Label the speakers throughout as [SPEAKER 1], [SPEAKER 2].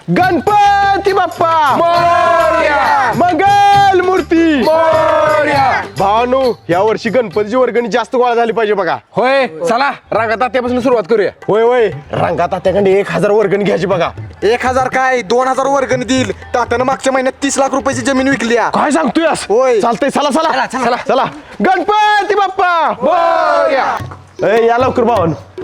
[SPEAKER 1] गणपती बाप्पा
[SPEAKER 2] मोरया!
[SPEAKER 1] मंगल मूर्ती
[SPEAKER 2] मोरया!
[SPEAKER 1] भावानो या वर्षी गणपतीची वर्गणी जास्त गोळा झाली पाहिजे बघा.
[SPEAKER 2] होय चला रांगात आत्यापासून सुरुवात करूया.
[SPEAKER 1] होय होय रंगात त्याकडे 1000 वर्गणी घ्यायची बघा.
[SPEAKER 3] 1000 काय 2000 वर्गणी देईल. तात्यानं मागच्या महिन्यात 30 लाख रुपयाची जमीन विकली आहे.
[SPEAKER 1] काय सांगतोयस?
[SPEAKER 3] होय.
[SPEAKER 1] चालतंय चला चला
[SPEAKER 2] चला.
[SPEAKER 1] चला गणपती बाप्पा
[SPEAKER 2] मोरया!
[SPEAKER 1] ए, या लवकर भावानो.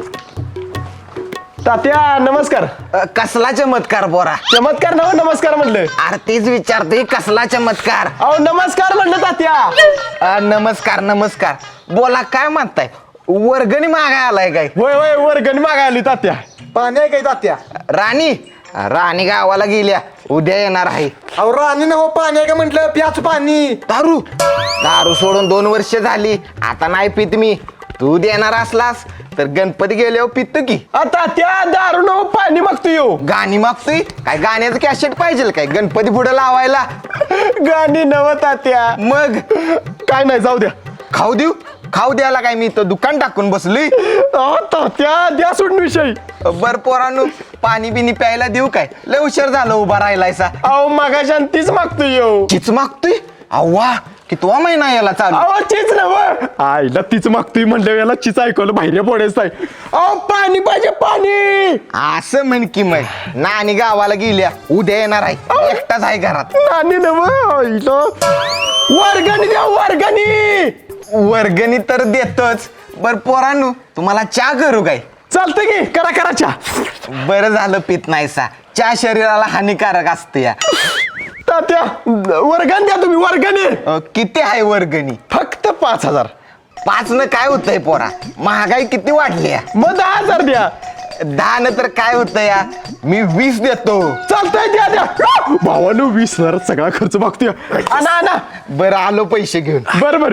[SPEAKER 1] तात्या नमस्कार.
[SPEAKER 4] कसला चमत्कार बोरा.
[SPEAKER 1] चमत्कार नमस्कार म्हणलं.
[SPEAKER 4] अरे तेच विचारतोय कसला चमत्कार.
[SPEAKER 1] अहो नमस्कार म्हणलं तात्या.
[SPEAKER 4] नमस्कार नमस्कार. बोला काय म्हणताय. वर्गणी मागाय आलाय काय.
[SPEAKER 1] होय होय वर्गणी मागायला आली तात्या.
[SPEAKER 3] पाणी आहे काय तात्या?
[SPEAKER 4] राणी राणी गावाला गेल्या उद्या येणार आहे.
[SPEAKER 3] अहो राणी ना हो पाणी आहे का म्हटलं. प्याच पाणी.
[SPEAKER 4] दारू दारू सोडून 2 वर्ष झाली. आता नाही पित मी. तू देणार असलास तर गणपती गेल्यावर पित की.
[SPEAKER 1] आता त्या दारू न पाणी मागतो येऊ.
[SPEAKER 4] गाणी मागतोय काय. गाण्याचं कॅसेट पाहिजे काय गणपती पुढे लावायला.
[SPEAKER 1] गाणी नव तात्या.
[SPEAKER 4] मग
[SPEAKER 1] काय नाही जाऊ द्या.
[SPEAKER 4] खाऊ द्यायला काय मी तर दुकान टाकून बसलोय.
[SPEAKER 1] अहो, तात्या द्या सोडून विषय.
[SPEAKER 4] बर पोरांनो पाणी बिनी प्यायला देऊ काय. लय उशीर झालं उभा राहिलायसा.
[SPEAKER 1] अहो मगाशान तीच मागतो येऊ.
[SPEAKER 4] चिच मागतोय. अव्वा कितवा महिना याला चालू.
[SPEAKER 1] अहो चीच नव आईला तीच मागतोय म्हणलं याला चीच ऐकवलं बाहेर पडायचं आहे. अहो पाणी पाहिजे पाणी.
[SPEAKER 4] असं म्हण की मग. नानी गावाला गेल्या उद्या येणार आहे. एकटाच आहे घरात.
[SPEAKER 1] आणि नव आईला वर्गणी द्या वर्गणी.
[SPEAKER 4] वर्गणी तर देतोच. बर पोरांनो तुम्हाला चहा करू काय.
[SPEAKER 1] चालतंय की करा करा चहा.
[SPEAKER 4] बरं झालं पित नाहीसा. चहा शरीराला हानिकारक असते या.
[SPEAKER 1] तात्या वर्गणी द्या तुम्ही वर्गणी.
[SPEAKER 4] किती आहे वर्गणी.
[SPEAKER 1] फक्त 5000.
[SPEAKER 4] 5 न काय होतंय पोरा. महागाई किती वाढली या.
[SPEAKER 1] मग 10,000 द्या.
[SPEAKER 4] 10 न तर काय होतं या. मी 20 देतो.
[SPEAKER 1] चालतंय द्या द्या. भावानं 20,000 सगळा खर्च मागतोय. आणा आणा.
[SPEAKER 4] बरं आलो पैसे घेऊन.
[SPEAKER 1] बर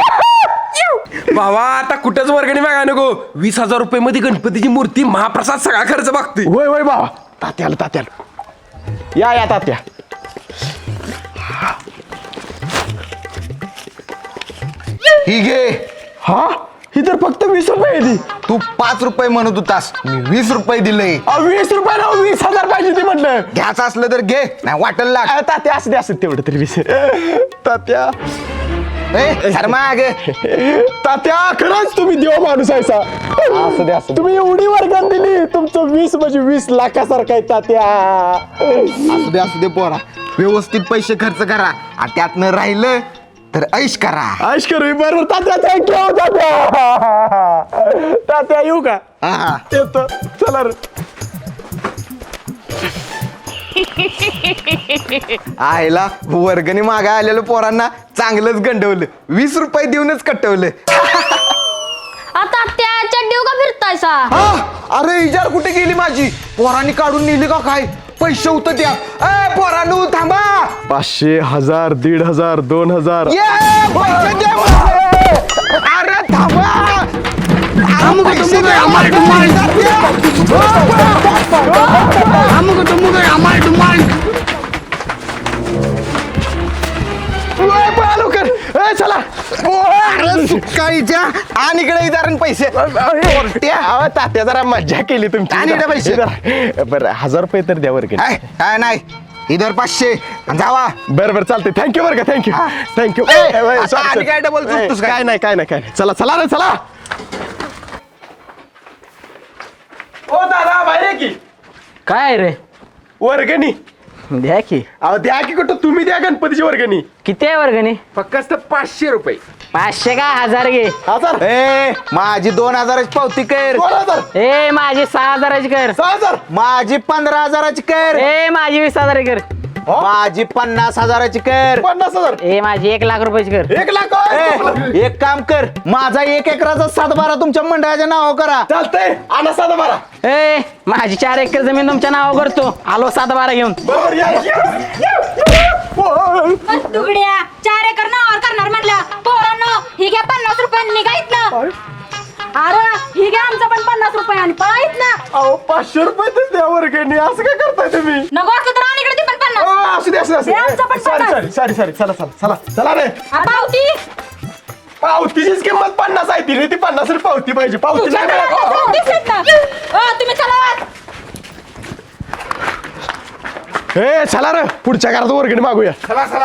[SPEAKER 2] भावा आता कुठंच वर्गणी मागा नको. 20,000 रुपये मध्ये गणपतीची मूर्ती महाप्रसाद सगळा खर्च मागते.
[SPEAKER 1] होय होय बाबा. तात्याला या तात्या.
[SPEAKER 4] ही घे.
[SPEAKER 1] हा ही तर फक्त 20 रुपये आहे ती.
[SPEAKER 4] तू 5 रुपये म्हणत होतास. मी 20 रुपये दिले.
[SPEAKER 1] 20 रुपये ना 20,000 पाहिजे ती म्हटलं.
[SPEAKER 4] घ्यायचं असलं तर घे नाही वाटल लाग.
[SPEAKER 1] तात्या असं द्या असं तेवढं तरी 20. तात्या
[SPEAKER 4] मागे
[SPEAKER 1] तात्या खरंच तुम्ही देव माणूस आहे सा.
[SPEAKER 4] असू दे असू दे.
[SPEAKER 1] तुम्ही एवढी वर्गण दिली. तुमचं 20 म्हणजे 20 लाखासारखं आहे तात्या.
[SPEAKER 4] असू दे पोरा. व्यवस्थित पैसे खर्च करा आणि त्यातनं राहिलं तर ऐश करा.
[SPEAKER 1] आश करू बरोबर तात्या. थँक्यू तात्या. तात्या येऊ का.
[SPEAKER 4] हा.
[SPEAKER 1] येतो चला रे.
[SPEAKER 4] आईला वर्गणी मागा आलेलं पोरांना चांगलंच गंडवलं. 20 रुपये देऊनच कटवलं.
[SPEAKER 5] आता त्याच्या देव का फिरतायसा.
[SPEAKER 4] अरे इजार कुठे गेली माझी. पोरांनी काढून नेली का काय. पैसे होतं त्या. पोरांनो थांबा.
[SPEAKER 1] 500 1000 1500 2000.
[SPEAKER 4] ये, पैसे दे मला. अरे थांबा. पैसे दे.
[SPEAKER 1] चला
[SPEAKER 4] अरे सुकाळीच्या आणि इकडे इजारण पैसे.
[SPEAKER 1] तात्या जरा मज्जा केली तुमची.
[SPEAKER 4] आणि इकडे पैसे.
[SPEAKER 1] बरं 1000 रुपये तर द्या वर्ग.
[SPEAKER 4] काय नाही इधर 500 जावा.
[SPEAKER 1] बरं थँक्यू थँक्यू बरं का. थँक्यू
[SPEAKER 4] आणि काय डबल चुकतोस काय.
[SPEAKER 1] काय नाही चला चला रे चला. ओ दादा बाहेर की.
[SPEAKER 6] काय रे.
[SPEAKER 1] वर्गणी
[SPEAKER 6] द्या की.
[SPEAKER 1] अहो द्या की कुठं तुम्ही द्या गणपतीची वर्गणी.
[SPEAKER 6] किती आहे वर्गणी.
[SPEAKER 2] फक्त 500 रुपये.
[SPEAKER 6] 500 का 1000 घे.
[SPEAKER 1] 1000
[SPEAKER 4] ए माझी 2000ची पावती कर.
[SPEAKER 1] 2000
[SPEAKER 6] ए माझी 6000ची कर.
[SPEAKER 1] 6000
[SPEAKER 4] माझी 15000ची कर.
[SPEAKER 6] ए माझी 20000 कर.
[SPEAKER 4] माझी 50,000ची कर.
[SPEAKER 1] 50,000
[SPEAKER 6] ए माझी 1 लाख रुपयाची कर.
[SPEAKER 1] 1 लाख.
[SPEAKER 4] ए, एक काम कर. माझा 1 एकराचा 7/12 तुमच्या मंडळाच्या नाव करा.
[SPEAKER 1] चालतंय आणा 7/12.
[SPEAKER 6] ए माझी 4 एकर जमीन तुमच्या नावावर करतो. आलो 7/12 घेऊन.
[SPEAKER 1] बरोबर या.
[SPEAKER 5] तुगड्या 4 एकर नावावर करणार म्हटलं. पोरांनो ही घ्या 50 रुपयांनी निघायत ना. अरे ही घ्या आमचं पण 50 रुपयांनी पळायत ना.
[SPEAKER 1] अहो 500 रुपये तर द्या वर्गणी. असं काय करताय तुम्ही.
[SPEAKER 5] नको असलं तर आणि इकडे ती पण 50.
[SPEAKER 1] असू दे
[SPEAKER 5] हे आमचं पण
[SPEAKER 1] सॉरी चला रे.
[SPEAKER 5] पावती.
[SPEAKER 1] पावतीचीच किंमत 50 आहे. ती 50 पावती पाहिजे. पावती
[SPEAKER 5] तुझ्याकडे आता पावतीच आहेत ना. तुम्ही चला.
[SPEAKER 1] हे चला रे पुढच्या घरात वर्गणी मागूया.
[SPEAKER 3] चला चला.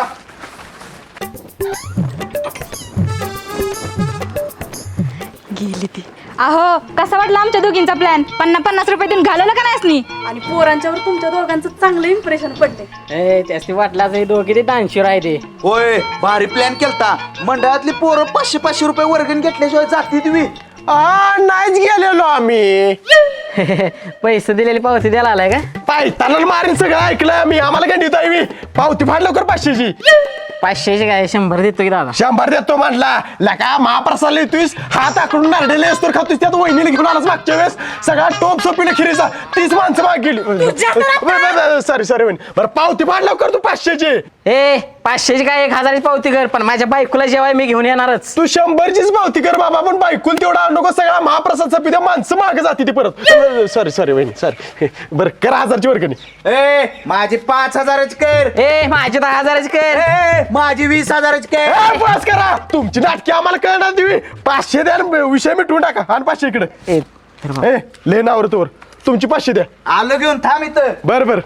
[SPEAKER 5] गेली ती. अहो कसा वाटला आमच्या दोघींचा प्लॅन? 50 रुपये देऊन घालवलं का नाही?
[SPEAKER 7] आणि पोरांच्यावर तुमच्या दोघांचं चांगलं इम्प्रेशन पडले.
[SPEAKER 6] ए त्याची वाटला दोघी ते दानशीर आहे ते.
[SPEAKER 3] होय भारी प्लॅन केलता. मंडळातली पोरं 500 रुपये वर्गणी घेतल्याशिवाय जाती तुम्ही.
[SPEAKER 1] नाहीच गेलेलो आम्ही.
[SPEAKER 6] पैसे दिलेली पावती द्यायला आलाय का?
[SPEAKER 1] पायताना मारीन सगळं ऐकलं मी. आम्हाला गंडीत आहे मी. पावती फाड लवकर 500ची.
[SPEAKER 6] 500ची काय 100 देतो की दादा.
[SPEAKER 1] 100 देतो म्हटला. लका महाप्रसाद लिहितोस हात आकडून नारडेले असतो खातोस. त्यात वहिनीला घेऊन आलास मागच्या वेळेस सगळा टोप सोपीने खिरीचा 30 माणसं माग गेली. सॉरी वहिनी. बरं पावती फाड लवकर तू 500ची.
[SPEAKER 6] ए 500ची काय 1000ची पावती कर, पण माझ्या बायकोला जेवाय मी घेऊन येणारच.
[SPEAKER 1] तू 100चीच पावती कर बाबा. पण बायकून तेवढा नको सगळा महाप्रसादचा पिद्या माणसं मागे जाते ती परत. सॉरी वहिनी सॉरी. बरं कर 1000ची वर्गणी.
[SPEAKER 3] ए माझी 5000ची कर.
[SPEAKER 6] ए माझी 10,000ची कर.
[SPEAKER 3] ए माझी 20,000ची कर.
[SPEAKER 1] ए, बस करा तुमची नाटकी आम्हाला कळणार तुम्ही. 500 द्या आणि विषय मिटवून टाका. आणि 500 इकडे.
[SPEAKER 6] ए तर बा.
[SPEAKER 1] ए ले नावर तोवर तुमची 500 द्या.
[SPEAKER 3] आलो घेऊन थांब इथं.
[SPEAKER 1] बर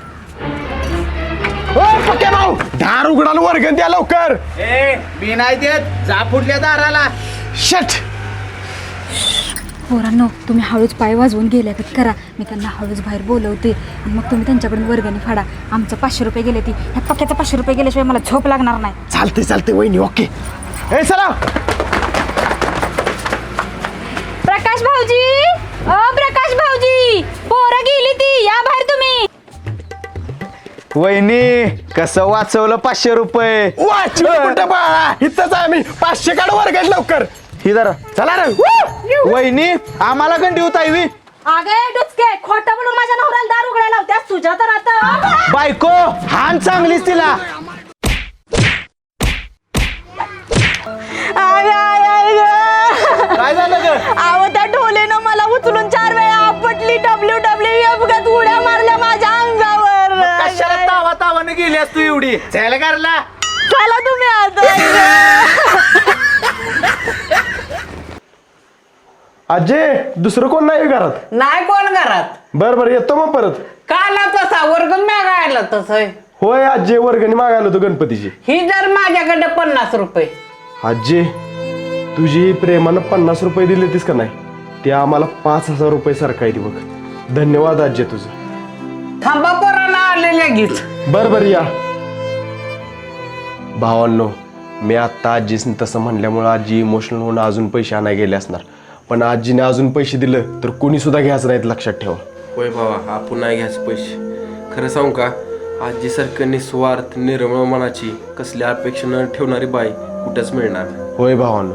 [SPEAKER 1] ओ पक्या भाऊ दार उघडाला वर्गण द्या लवकर.
[SPEAKER 3] ए मी नाही देत. जा फुटल्या दाराला.
[SPEAKER 1] शट.
[SPEAKER 5] पोरांनो तुम्ही हळूच पाय वाजवून गेल्या का करा. मी त्यांना हळूच बाहेर बोलवते आणि मग तुम्ही त्यांच्याकडून वर्गणी फाडा. आमचं 500 रुपये गेले ती. ह्या पक्याचं 500 रुपये गेल्याशिवाय मला झोप लागणार नाही.
[SPEAKER 1] चालते वहिनी ओके. ए चला.
[SPEAKER 5] प्रकाश भाऊजी, प्रकाश भाऊजी, पोरं गेली ती. या बाहेर तुम्ही.
[SPEAKER 3] वहिनी कसं वाचवलं 500 रुपये.
[SPEAKER 1] वाचलं कुठं बाळा. इथंच आहे मी. 500 काढ वर्गण लवकर.
[SPEAKER 3] ही जरा
[SPEAKER 1] चला रे.
[SPEAKER 3] वहिनी आम्हाला गंडी होत आहे.
[SPEAKER 7] अगे डुचके खोटं बोलून माझ्या नवऱ्याला दार उघडायला लावत्यास. तुझ्या तर आता
[SPEAKER 3] बायको हान चांगलीच तिला. काय झालं ग?
[SPEAKER 7] अहो त्या ढोलेनं मला उचलून 4 वेळा आपटली. WWF गत उड्या मारल्या माझ्या अंगावर.
[SPEAKER 3] कशाला तावाने गेलीस तू एवढी? चल करला.
[SPEAKER 7] चला तुम्ही आता.
[SPEAKER 1] अजय दुसरं कोण नाही घरात?
[SPEAKER 6] नाही कोण घरात.
[SPEAKER 1] बर येतो मग परत.
[SPEAKER 6] काला तसा वर्गण मागायला तसं.
[SPEAKER 1] होय अजय वर्गणी मागायला होतो गणपतीची.
[SPEAKER 6] ही जर माझ्याकडे 50 रुपये.
[SPEAKER 1] अजय तुझी प्रेमानं 50 रुपये दिले तीस का नाही ते आम्हाला 5000 रुपये सारखं आहे ती बघ. धन्यवाद अजय तुझं.
[SPEAKER 6] थांबा पोरांना आलेल्या गीत.
[SPEAKER 1] बर या भावांनो. मी आत्ता आजीसनी तसं म्हणल्यामुळं आजी इमोशनल होऊन अजून पैसे आणाय गेले असणार. पण आजीने अजून पैसे दिलं तर कोणी सुद्धा घ्यायचं नाहीत लक्षात ठेवा.
[SPEAKER 2] होय बाबा आपण नाही घ्यायचे पैसे. खरं सांगू का आजीसारखं निस्वार्थ निर्मळ मनाची कसल्या अपेक्षा न ठेवणारी बाई कुठंच मिळणार नाही.
[SPEAKER 1] होय भावांनो.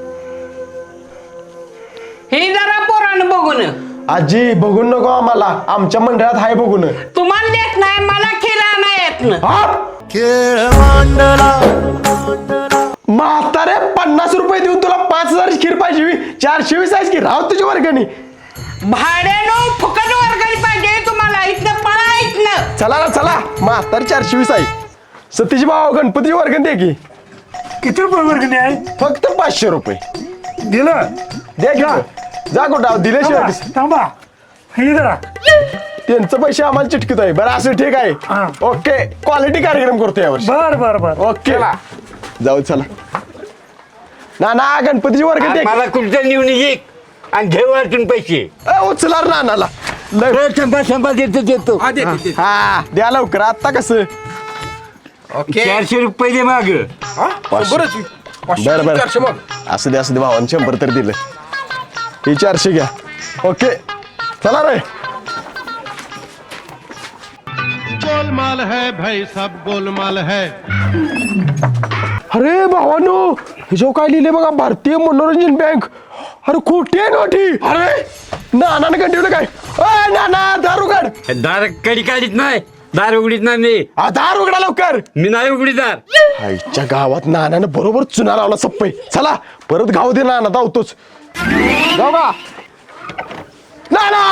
[SPEAKER 6] ही जरा पोरानं बघून.
[SPEAKER 1] आजी बघून नको आम्हाला. आमच्या मंडळात हाय बघून.
[SPEAKER 6] तुम्हाला देत नाही मला खिरा नाही येत ना.
[SPEAKER 1] म्हातारे 50 रुपये देऊन तुला 5000 खीर पाहिजे. 420 आहेस की राव तुझी वर्गणी.
[SPEAKER 6] भाड्यानं फुकट वर्गणी पाहिजे तुम्हाला. इथनं पळा इथनं.
[SPEAKER 1] चला म्हातारे 420 आहे. सतीश भाऊ गणपतीची वर्गणी दे की.
[SPEAKER 8] किती रुपये वर्गणी आहे?
[SPEAKER 1] फक्त 500 रुपये
[SPEAKER 8] दिलं
[SPEAKER 1] द्या की. जा कुठं दिल्याशिवाय
[SPEAKER 8] थांबा हे जरा.
[SPEAKER 1] त्यांचं पैसे आम्हाला चिटकीत आहे. बरं असं ठीक आहे.
[SPEAKER 8] हा.
[SPEAKER 1] ओके क्वालिटी कार्यक्रम करतो यावर्षी.
[SPEAKER 8] बर
[SPEAKER 1] ओके जाऊ चला. ना गणपतीची वर्गणी दे.
[SPEAKER 9] मला कुठचं निवडून ये आणि घेऊ अडचण पैसे.
[SPEAKER 1] उचला नानाला.
[SPEAKER 9] शंभर देतो
[SPEAKER 2] हा दे, दे, दे.
[SPEAKER 1] हा द्या लवकर. आता कसं
[SPEAKER 9] 400 रुपये दे माग.
[SPEAKER 2] बरंच. 500,
[SPEAKER 1] बरं.
[SPEAKER 2] 400 मग.
[SPEAKER 1] असं दे भावानं 100 तर दिलं. हे 400 घ्या. ओके चला रे.
[SPEAKER 10] गोलमाल है भाई सब गोलमाल है.
[SPEAKER 1] अरे भावानो हे जो काय लिहिले बघा भारतीय मनोरंजन बँक. अरे खोटी आहे नोटी. अरे नानानं कंटिन्यू काय. नाना दार उघड.
[SPEAKER 9] दार कडी काढीत नाही. दार उघडीत नाही मी.
[SPEAKER 1] दार उघडा लवकर.
[SPEAKER 9] मी नाही उघडी दार.
[SPEAKER 1] आईच्या गावात नानानं बरोबर चुना लावला सप्पई. चला परत गाव दे नाना धावतोच. जाऊ का नाना.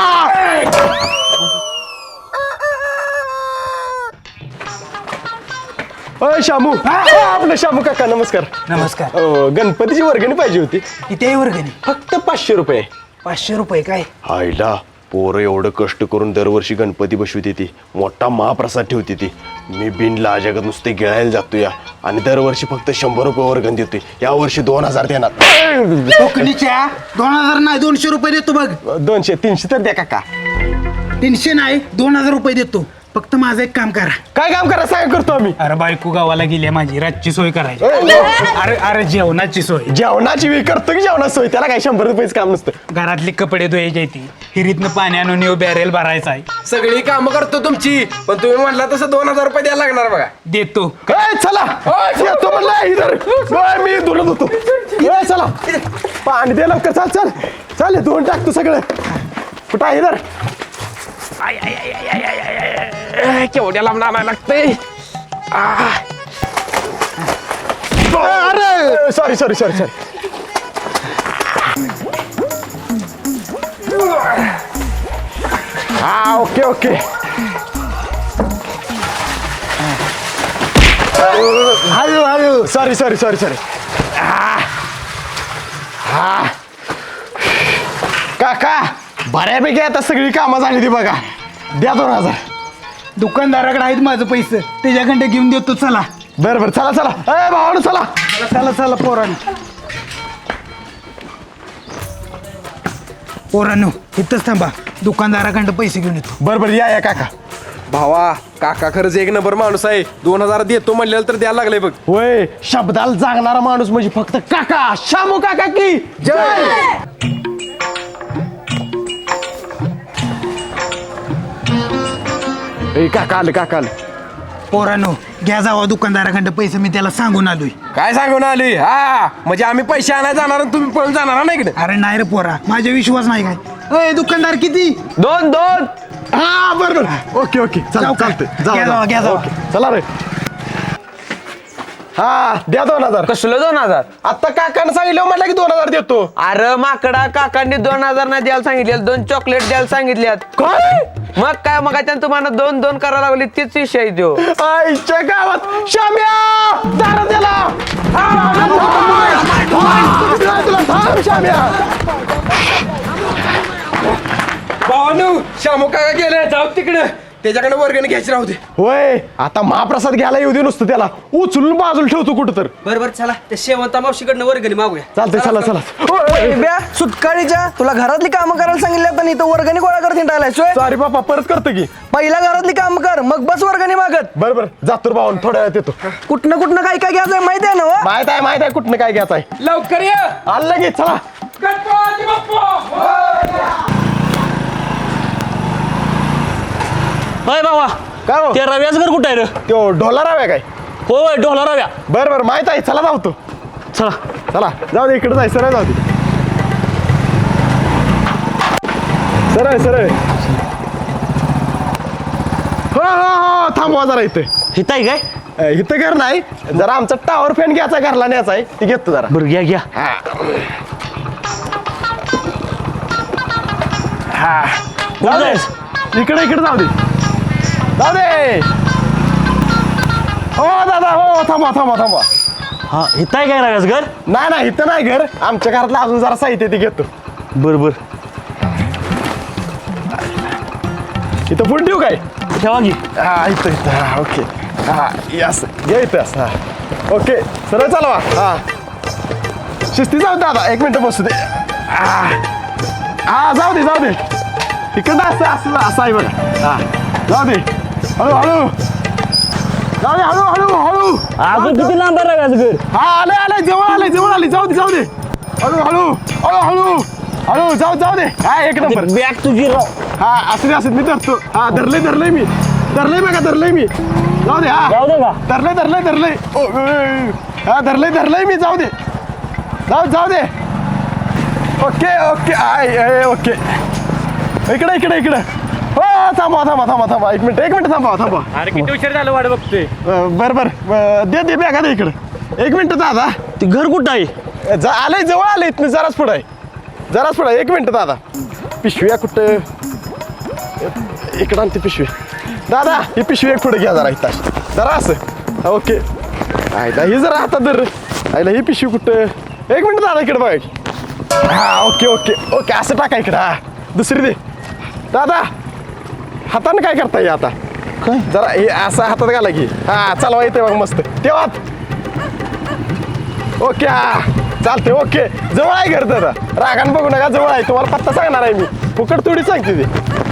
[SPEAKER 1] शामू. आपलं शामू काका नमस्कार.
[SPEAKER 8] नमस्कार.
[SPEAKER 1] गणपतीची वर्गणी पाहिजे होती.
[SPEAKER 8] किती आहे वर्गणी?
[SPEAKER 1] फक्त 500 रुपये.
[SPEAKER 8] 500 रुपये काय?
[SPEAKER 1] आईला पोरं एवढं कष्ट करून दरवर्षी गणपती बसवते ती मोठा महाप्रसाद ठेवते ती मी बिन लाजागत नुसते गिळायला जातो या आणि दरवर्षी फक्त 100 रुपये वर्गण देतोय या वर्षी 2000 देणार
[SPEAKER 3] कोकणीच्या 2000 नाही 200 रुपये देतो बघ
[SPEAKER 1] 200 300 तर द्या काका
[SPEAKER 3] 300 नाही 2000 रुपये देतो फक्त माझं एक काम करा.
[SPEAKER 1] काय काम करा सांग करतो आम्ही.
[SPEAKER 8] अरे बायको गावाला गेली माझी रातची सोय करायची. अरे अरे जेवणाची सोय.
[SPEAKER 1] जेवणाची मी करतो की जेवणाची सोय त्याला काय 100 रुपयेच काम नसतं.
[SPEAKER 8] घरातली कपडे धुवायची ती हिरीतनं पाणी आणून येऊ बॅरेल भरायचा आहे.
[SPEAKER 2] सगळी कामं करतो तुमची पण तुम्ही म्हटला तसं 2000 रुपये द्यायला लागणार बघा.
[SPEAKER 8] देतो.
[SPEAKER 1] काय चला येतो म्हणलं इधर ओय, मी धुलत होतो ए, चला पाणी दे लवकर चल चल चल धुवून टाकतो सगळं कुठं आहे इधर
[SPEAKER 2] केवढ्या लांब आणायला लागतंय.
[SPEAKER 1] अरे सॉरी सॉरी सॉरी सॉरी हा ओके ओके हळू हळू सॉरी सॉरी सॉरी सॉरी हा काका बऱ्यापैकी आता सगळी कामं झाली ती बघा द्या 2000.
[SPEAKER 3] दुकानदाराकडे आहेत माझं पैसे त्याच्याकडे घेऊन देतो चला.
[SPEAKER 1] बरं बरं चला चला ए भावानं चला
[SPEAKER 3] चला चला पोरांनो इथंच थांबा दुकानदाराकडे पैसे घेऊन येतो.
[SPEAKER 1] बरं बरं या या काका
[SPEAKER 2] भावा काका खरंच एक नंबर माणूस आहे 2000 देतो म्हणलेलं तर द्यायला लागलंय बघ.
[SPEAKER 1] होय शब्दाला जागणारा माणूस म्हणजे फक्त काका शामू काका की जय. ए काका आलं काका आलं.
[SPEAKER 3] पोरांनो घ्या जावा दुकानदाराकडे पैसे मी त्याला सांगून आलोय.
[SPEAKER 2] काय सांगून आली हा म्हणजे आम्ही पैसे आणायला जाणार आणि तुम्ही पळून जाणार ना इकडे.
[SPEAKER 3] अरे नाही रे पोरा माझा विश्वास नाही काय. ए दुकानदार किती
[SPEAKER 4] 2
[SPEAKER 1] हा बरं बरं ओके ओके चला
[SPEAKER 3] जाऊ का?
[SPEAKER 1] चालतंय
[SPEAKER 3] घ्या जावा, घ्या जावा.
[SPEAKER 1] ओके चला रे हा द्या 2000.
[SPEAKER 4] कसलं 2000?
[SPEAKER 1] आता काकानं सांगितलं म्हटलं की 2000 देतो.
[SPEAKER 4] अरे माकडा काकांनी 2000 नाही द्यायला सांगितले 2 चॉकलेट द्यायला सांगितल्यात.
[SPEAKER 1] काय
[SPEAKER 4] मग काय मग तुम्हाला 2 करायला लागली तीच विषय आहे त्यो.
[SPEAKER 1] आईच्या गावात शाम्या दारा त्याला शाम्या
[SPEAKER 2] भावानू शामू काका गेले जाऊ तिकडे त्याच्याकडे वर्गणी घ्यायची राहू दे.
[SPEAKER 1] होय आता महाप्रसाद घ्यायला येऊ दे नुसतं त्याला उचलून बाजूला ठेवतो कुठं तर.
[SPEAKER 6] बरोबर चला त्या शेवंता मावशीकडनं वर्गणी मागूया.
[SPEAKER 1] चालतंय चला चला
[SPEAKER 6] सुटकाळीच्या तुला घरातली कामं करायला सांगितलं पण इथं वर्गणी गोळा करत हिंडायला सोय.
[SPEAKER 1] सॉरी बापा परत करतो की.
[SPEAKER 6] पहिला घरातली काम कर मग बस वर्गणी मागत.
[SPEAKER 1] बरं बरं जातो भाऊन थोड्या वेळात येतो.
[SPEAKER 6] कुठनं काय काय घ्यायचंय माहिती आहे ना व?
[SPEAKER 1] माहित आहे कुठनं काय घ्यायचं आहे.
[SPEAKER 2] लवकर ये.
[SPEAKER 1] आलं लगेच चला.
[SPEAKER 2] गणपती बाप्पा.
[SPEAKER 9] होय बाबा
[SPEAKER 1] काय हो
[SPEAKER 9] ते रव्याचं घर कुठं आहे रे?
[SPEAKER 1] त्यो ढोला राव्या काय
[SPEAKER 9] होय डोला रव्या.
[SPEAKER 1] बरं बरं माहित आहे चला जाऊ तो
[SPEAKER 9] चला
[SPEAKER 1] चला जाऊ दे इकडे जाय सरळ जाऊ दे सरळ सरळ हो हो हो थांबवा जरा इथे
[SPEAKER 9] हित आहे काय?
[SPEAKER 1] इथं घर नाही जरा आमचा टावर फॅन घ्यायचा घरला न्यायचा आहे ती घेतो जरा.
[SPEAKER 9] बरं घ्या घ्या.
[SPEAKER 1] जाऊ दे इकडे इकडे जाऊ दे जाऊ दे हो दादा हो थांबवा थांबवा थांबवा.
[SPEAKER 9] हा हित आहे काय रव्याचं घर?
[SPEAKER 1] नाही नाही इथं नाही घर आमच्या घरातलं अजून जरा साहित्य ते घेतो.
[SPEAKER 9] बरं बरं
[SPEAKER 1] इथं फुल ठेवू काय
[SPEAKER 9] ठेवा की.
[SPEAKER 1] हा इथं इथं हा ओके हा यस घे इथं असं हा ओके सरळ चालवा हा शिस्ती जाऊ दादा 1 मिनिट बसू दे हा जाऊ दे इकडं असं असं असं आहे बघा हा जाऊ दे हळू जाऊ दे हळू
[SPEAKER 9] अजून किती लांब आहे रव्याचं घर?
[SPEAKER 1] हा आले जवळ आले जाऊ दे हळू जाऊ दे हा 1 नंबर
[SPEAKER 9] बॅग तुझी राव.
[SPEAKER 1] हा असं मी धरतो हा धरलंय मी जाऊ दे हा
[SPEAKER 9] जाऊ दे का?
[SPEAKER 1] धरलंय हा धरलंय मी जाऊ दे ओके आय ओके इकडे हो थांबा 1 मिनिट थांबा
[SPEAKER 9] अरे किती उशीर झालं वाट बघतोय.
[SPEAKER 1] बरं दे बॅगा दे इकडे 1 मिनिट दादा
[SPEAKER 9] ते घर कुठं आहे?
[SPEAKER 1] आलंय जवळ आलंय इथनं जराच पुढं 1 मिनिट दादा पिशव्या कुठं इकडं आणते पिशवी दादा ही पिशवी एक पुढे घ्या जरा इथं जरा असं ओके आयला ही जरा हातात धर आयला ही पिशवी कुठं 1 मिनिट दादा इकडे बघ हा ओके असं टाका इकडं हा दुसरी दे दादा हाताने काय करता येईल आता काय जरा हे असं हातात घाला की हा चालवा येते बघ मस्त तेव्हा ओके हा चालते ओके जवळ आहे घर दादा रागान बघू नका जवळ आहे तुम्हाला पत्ता सांगणार आहे मी फुकट थोडी सांगते ते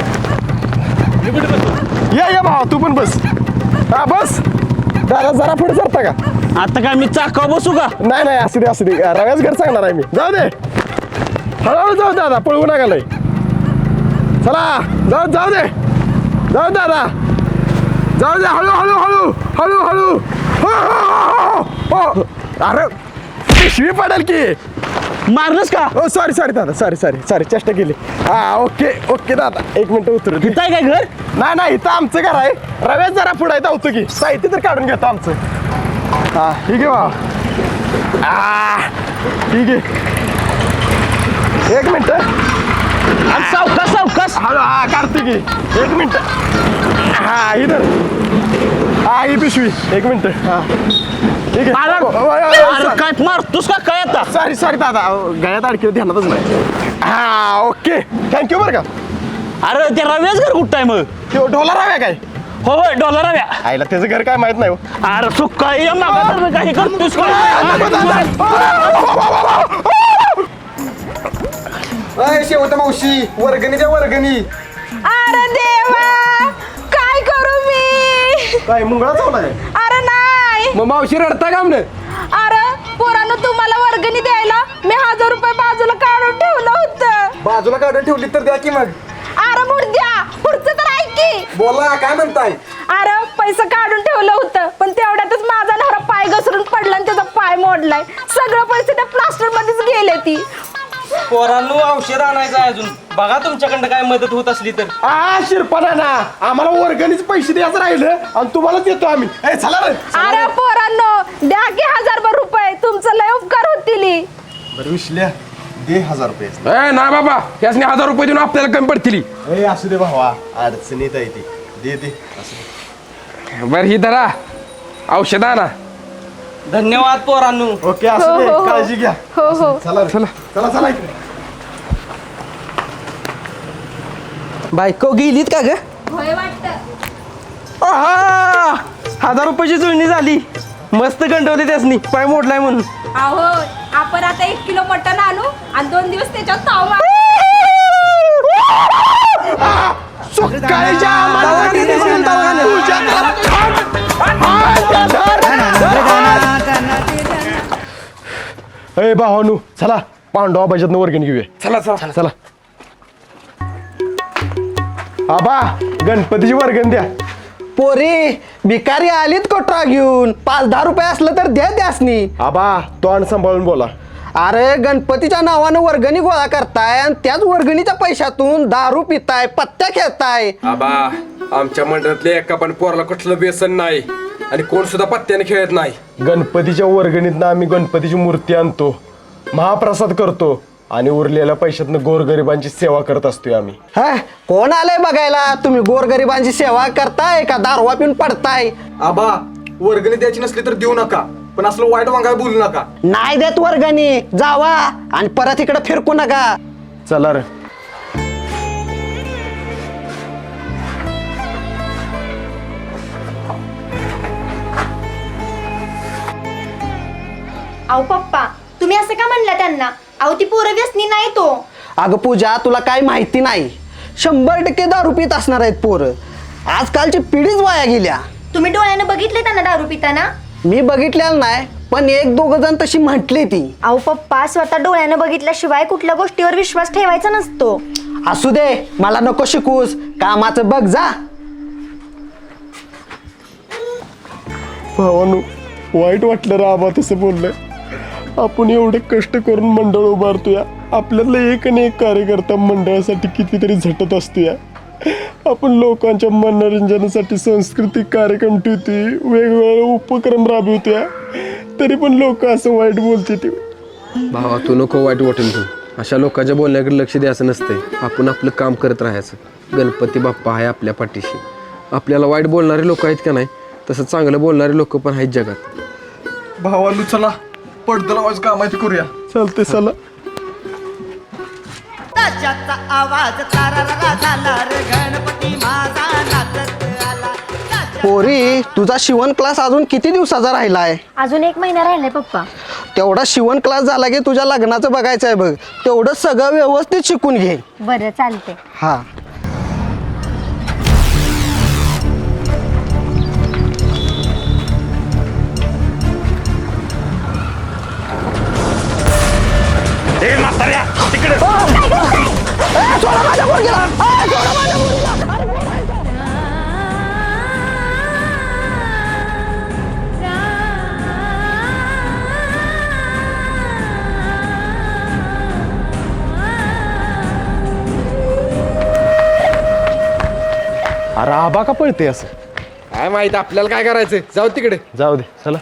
[SPEAKER 1] या भावा तू पण बस हा बस दादा जरा पुढे सरता का
[SPEAKER 9] आता काय मी चाकावर बसू का?
[SPEAKER 1] नाही असू दे रव्याच घर सांगणार आहे मी जाऊ दे हळूहळू जाऊ दादा पळवू नका लय चला जाऊ दे दादा जाऊ दे हळू अरे पिशवी पडेल की
[SPEAKER 9] मारलंस का?
[SPEAKER 1] ओ सॉरी दादा सॉरी चेष्टा केली हा ओके दादा एक मिनिट उतरू दे.
[SPEAKER 9] इथं आहे काय घर?
[SPEAKER 1] नाही इथं आमचं घर आहे रव्याच जरा पुढे धावतो की साहित्य तर काढून घेतो आमचं हा ठीक आहे भाऊ ठीक आहे एक मिनिट
[SPEAKER 9] सावकाश
[SPEAKER 1] हॅलो हा काढतो की एक मिनिट हा इधर हा ही पिशवी एक मिनिट हा ठीक आहे
[SPEAKER 9] काय मारतोस का काय आता?
[SPEAKER 1] सॉरी दादा गळ्यात अडकी ध्यानातच नाही हा ओके थँक्यू बरं का
[SPEAKER 9] अरे ते रव्याच घर कुठं आहे मग?
[SPEAKER 1] तो ढोला राव्या काय
[SPEAKER 9] होय डॉलर रव्या.
[SPEAKER 1] आईला त्याचं घर काय माहित नाही हो.
[SPEAKER 9] अरे सुक्का ये मागा काही करतोस
[SPEAKER 3] शेवट मावशी वर्गणी द्या वर्गणी.
[SPEAKER 7] अरे देवा काय करू मी?
[SPEAKER 1] काय मुंगळा चावला काय
[SPEAKER 7] अरे नाही.
[SPEAKER 2] मग मावशी रडता का म्हणत
[SPEAKER 7] अरे पोरानं तुम्हाला वर्गणी द्यायला मी 1000 रुपये बाजूला काढून ठेवलं होतं.
[SPEAKER 3] बाजूला काढून ठेवली तर द्या की मग.
[SPEAKER 7] अरे मुर्द्या पुढचं तर ऐक की.
[SPEAKER 3] बोला काय म्हणताय?
[SPEAKER 7] अरे पैसे काढून ठेवलं होतं पण तेवढ्यातच माझा नवरा पाय घसरून पडला आणि त्याचा पाय मोडलाय. सगळं पैसे त्या प्लास्टर मध्येच गेले ती.
[SPEAKER 9] पोरांनो औषध आणायचं आहे अजून बघा तुमच्याकडनं काय मदत होत असली तर.
[SPEAKER 1] शिरपणा ना आम्हाला वर्गणीच पैसे द्यायचं राहिलं आणि तुम्हाला देतो आम्ही चला रे
[SPEAKER 7] अरे पोरांनो द्या की 1000 रुपये तुमचं लय उपकार होतील.
[SPEAKER 1] बरं विश्ल्या दे 1000 रुपये
[SPEAKER 2] ना बाबा यासने 1000 रुपये देऊन आपल्याला कमी पडतील.
[SPEAKER 1] असू दे भावा अडचणीत आहे ती दे
[SPEAKER 2] बरं ही धरा औषध आणा.
[SPEAKER 9] धन्यवाद पोरांनो.
[SPEAKER 1] ओके असू दे काळजी घ्या
[SPEAKER 7] हो
[SPEAKER 1] चला चला इकडे
[SPEAKER 9] बायको गेलीत का ग?
[SPEAKER 7] होय वाटतं.
[SPEAKER 9] 1000 रुपयाची जुळणी झाली. मस्त गंडवली त्यासनी पाय मोडलाय म्हणून.
[SPEAKER 7] अहो आपण आता 1 किलो मटण आणू आणि 2 दिवस त्याच्यात ताव मारू.
[SPEAKER 1] भावानू चला पांडवा बजेतनं वर्गणी घेऊया चला आबा गणपतीची वर्गण द्या.
[SPEAKER 9] पोरी भिकारी आलीत कोटरा घेऊन 5-10 रुपये असलं तर द्या त्यासनी.
[SPEAKER 1] आबा तोंड सांभाळून बोला.
[SPEAKER 9] अरे गणपतीच्या नावानं वर्गणी गोळा करताय आणि त्याच वर्गणीच्या पैशातून दारू पिताय पत्त्या खेळताय.
[SPEAKER 2] आबा आमच्या मंडळातले एका पण पोराला कुठलं व्यसन नाही आणि कोण सुद्धा पत्त्याने खेळत नाही.
[SPEAKER 1] गणपतीच्या वर्गणीतनं आम्ही गणपतीची मूर्ती आणतो महाप्रसाद करतो आणि उरलेल्या पैशातनं गोरगरिबांची सेवा करत असतोय आम्ही.
[SPEAKER 9] कोण आलंय बघायला? तुम्ही गोरगरिबांची सेवा करताय का दारवा पिऊन पडताय?
[SPEAKER 3] आबा वर्गणी द्यायची नसली तर देऊ नका पण असलं वाईट वांगाय बोलू नका.
[SPEAKER 9] नाही देत वर्गणी जावा आणि परत इकडे फिरकू नका.
[SPEAKER 1] चला रे
[SPEAKER 7] अहो पप्पा तुम्ही असं का म्हणला त्यांना? अहो ती पोरं व्यसनी नाही तो.
[SPEAKER 9] अगं पूजा तुला काय माहिती नाही. 100% दारू पित असणार आहेत पोरं. आजकालची पिढीच वाया गेल्या.
[SPEAKER 7] तुम्ही डोळ्याने बघितले त्यांना दारू पिताना?
[SPEAKER 9] मी बघितलेलं नाही पण 1-2 जण तशी म्हटली ती.
[SPEAKER 7] अहो पप्पा स्वतः डोळ्याने बघितल्याशिवाय कुठल्या गोष्टीवर विश्वास ठेवायचा नसतो.
[SPEAKER 9] असू दे मला नको शिकूस कामाचं बघ जा.
[SPEAKER 1] भावानू वाईट वाटलं रे आबा तसं बोललंय. आपण एवढे कष्ट करून मंडळ उभारतोय आपल्यातलं एक आणि एक कार्यकर्ता मंडळासाठी कितीतरी झटत असतोय. आपण लोकांच्या मनोरंजनासाठी सांस्कृतिक कार्यक्रम ठेवतोय वेगवेगळे उपक्रम राबवतोय तरी पण लोक असं वाईट बोलते ते.
[SPEAKER 2] भावा तू नको वाईट वाटेल तू अशा लोकांच्या बोलण्याकडे लक्ष द्यायचं नसतंय. आपण आपलं काम करत राहायचं. गणपती बाप्पा आहे आपल्या पाठीशी. आपल्याला वाईट बोलणारे लोक आहेत का नाही तसं चांगलं बोलणारे लोक पण आहेत जगात.
[SPEAKER 3] भावालू चला पडदं लावायचं काम आहे ते करूया.
[SPEAKER 1] चालते चला
[SPEAKER 6] ताशाचा आवाज तारारा झाला रे गणपती माझा नाचत आला.
[SPEAKER 9] पोरी तुझा शिवण क्लास अजून किती दिवसाचा राहिलाय?
[SPEAKER 7] अजून 1 महिना राहिलाय पप्पा.
[SPEAKER 9] तेवढा शिवण क्लास झाला की तुझ्या लग्नाचं बघायचं आहे बघ. तेवढं सगळं व्यवस्थित शिकून घे.
[SPEAKER 7] बरं चालते.
[SPEAKER 9] हा
[SPEAKER 1] अरे आबा का पळते असं?
[SPEAKER 2] काय माहित आपल्याला काय करायचं, जाऊ तिकडे.
[SPEAKER 1] जाऊ दे चला.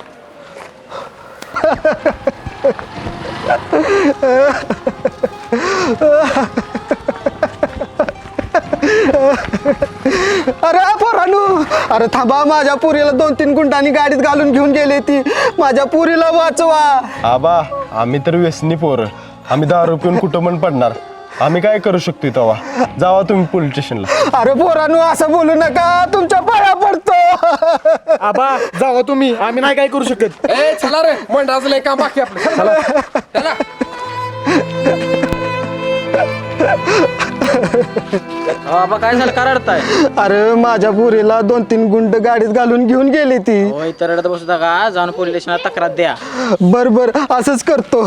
[SPEAKER 9] अरे पोरानू, अरे थांबा, माझ्या पुरीला 2-3 गुंडांनी गाडीत घालून घेऊन गेली ती. माझ्या पुरीला वाचवा.
[SPEAKER 1] आबा आम्ही तर व्यसनी पोरं, आम्ही दारू पिऊन कुठं पण पडणार. आम्ही काय करू शकतो तेव्हा? जावा तुम्ही पोलीस स्टेशनला.
[SPEAKER 9] अरे पोरानू असं बोलू नका, तुमच्या पाया पडतो.
[SPEAKER 1] आबा जावा तुम्ही, आम्ही नाही काय करू शकत.
[SPEAKER 2] ए चला रे, मंडळाचं लय काम बाकी आपलं. चला चला.
[SPEAKER 11] बाबा काय झालं, का रडताय?
[SPEAKER 9] अरे माझ्या पुरीला 2-3 गुंड गाडीत घालून घेऊन गेली ती.
[SPEAKER 11] होय तर रडत बसू का, जाऊन पोलीस स्टेशनला तक्रार द्या.
[SPEAKER 9] बर असंच करतो.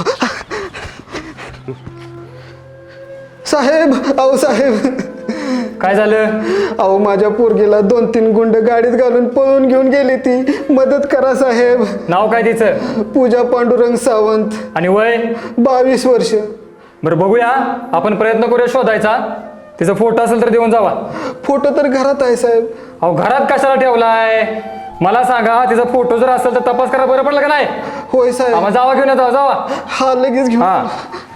[SPEAKER 9] साहेब, अहो साहेब,
[SPEAKER 8] काय झालं?
[SPEAKER 9] अहो माझ्या पोरगीला 2-3 गुंड गाडीत घालून पळून घेऊन गेली ती. मदत करा साहेब.
[SPEAKER 8] नाव काय तिचं?
[SPEAKER 9] पूजा पांडुरंग सावंत.
[SPEAKER 8] आणि वय?
[SPEAKER 9] 22 वर्ष.
[SPEAKER 8] बरं बघूया, आपण प्रयत्न करूया शोधायचा. तिचा फोटो असेल तर देऊन जावा.
[SPEAKER 9] फोटो तर घरात आहे साहेब.
[SPEAKER 8] अहो घरात कशाला ठेवलाय? मला सांगा, तिचा फोटो जर असेल तर तपास करा, बरं पडलं का नाही?
[SPEAKER 9] होय साहेब.
[SPEAKER 8] आम्हाला जावा घेऊन येतो, जावा.
[SPEAKER 9] हा लगेच घेऊन.
[SPEAKER 8] हा.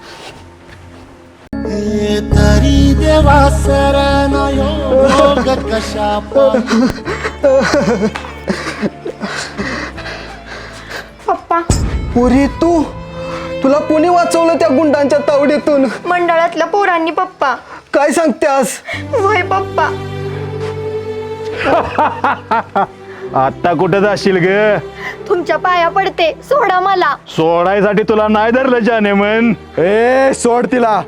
[SPEAKER 10] तरी देवा सरनायो कशा
[SPEAKER 7] पप्पा,
[SPEAKER 9] पुरी तुला कोणी वाचवलं त्या गुंडांच्या तावडीतून?
[SPEAKER 7] मंडळातल्या पोरांनी पप्पा.
[SPEAKER 9] काय सांगतेस?
[SPEAKER 7] होय पप्पा.
[SPEAKER 10] आता कुठं जाशील ग?
[SPEAKER 7] तुमच्या पाया पडते, सोडा मला.
[SPEAKER 10] सोडायसाठी तुला नाही धरलं जाने मन.
[SPEAKER 1] ए सोड तिला.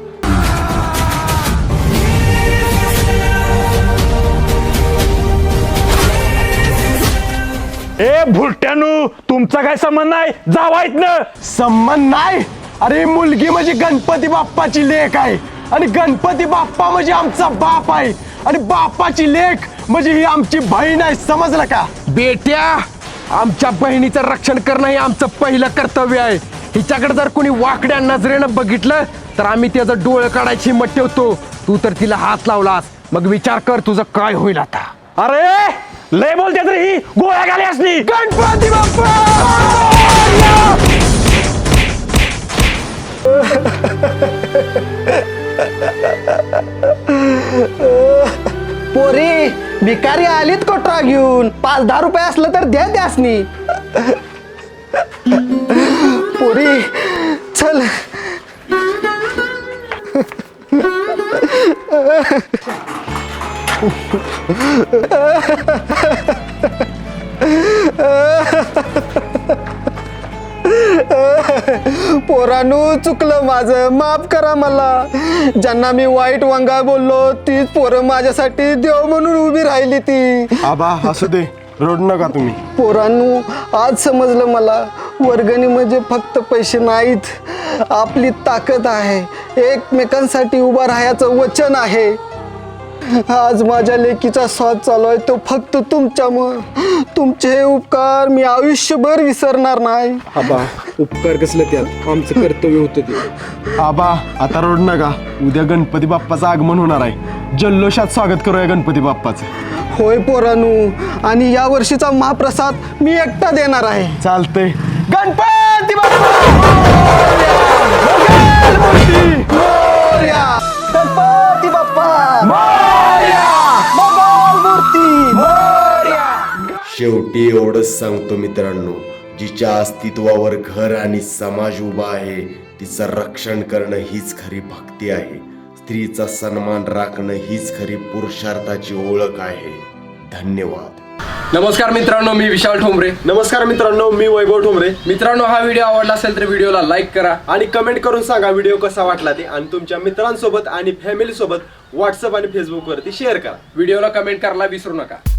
[SPEAKER 10] ए भुरट्यानू, तुमचा काय संबंध नाही, जावायत ना.
[SPEAKER 1] संबंध नाही? अरे मुलगी म्हणजे गणपती बाप्पाची लेक आहे, आणि गणपती बाप्पा म्हणजे आमचा बाप आहे, आणि बाप्पाची लेक म्हणजे ही आमची बहीण आहे. समजलं का?
[SPEAKER 2] बेट्या, आमच्या बहिणीचं रक्षण करणं हे आमचं पहिलं कर्तव्य आहे. हिच्याकडे जर कोणी वाकड्या नजरेनं बघितलं तर आम्ही त्याचं डोळं काढायची हिंमत ठेवतो. तू तर तिला हात लावलास, मग विचार कर तुझं काय होईल आता.
[SPEAKER 10] अरे लय बोलते तर ही गोळ्या घाली असली.
[SPEAKER 1] गणपती बाप्पा!
[SPEAKER 9] पोरी, भिकारी आलीत कोटरा घेऊन. 5-10 रुपये असलं तर द्या त्यासनी. पोरी चल. पोरानू, चुकलं माझं, माफ करा मला. ज्यांना मी वाईट वंगा बोललो तीच पोरं माझ्यासाठी देव म्हणून उभी राहिली ती.
[SPEAKER 1] आबा असू दे, रडू नका तुम्ही.
[SPEAKER 9] पोरांनो, आज समजलं मला, वर्गणी म्हणजे फक्त पैसे नाहीत, आपली ताकद आहे, एकमेकांसाठी उभा राहायचं वचन आहे. आज माझ्या लेकीचा स्वाद चालू आहे तो फक्त तुमच्यामुळं. तुमचे हे उपकार मी आयुष्यभर विसरणार नाही.
[SPEAKER 2] आबा, उपकार कसलं त्यात, आमचं कर्तव्य होतं ते.
[SPEAKER 1] आबा आता रडू नका, उद्या गणपती बाप्पाचं आगमन होणार आहे. जल्लोषात स्वागत करूया गणपती बाप्पाचं.
[SPEAKER 9] होय पोरांनो, आणि या वर्षीचा महाप्रसाद मी एकटा देणार आहे.
[SPEAKER 1] चालतंय. गणपती बाप्पा गणपती बाप्पा
[SPEAKER 12] शेवटी एवढंच सांगतो मित्रांनो, जिच्या अस्तित्वावर घर आणि समाज उभा आहे तिचं रक्षण करणं हीच खरी भक्ती आहे. स्त्रीचा सन्मान राखणं हीच खरी पुरुषार्थाची ओळख आहे. धन्यवाद.
[SPEAKER 2] नमस्कार मित्रांनो, मी विशाल ठोंबरे.
[SPEAKER 1] नमस्कार मित्रांनो, मी वैभव ठोंबरे.
[SPEAKER 2] मित्रांनो, हा व्हिडिओ आवडला असेल तर व्हिडिओला लाईक करा
[SPEAKER 1] आणि कमेंट करून सांगा व्हिडिओ कसा वाटला ते, आणि तुमच्या मित्रांसोबत आणि फॅमिली सोबत व्हॉट्सअप आणि फेसबुक वरती शेअर करा.
[SPEAKER 2] व्हिडिओला कमेंट करायला विसरू नका.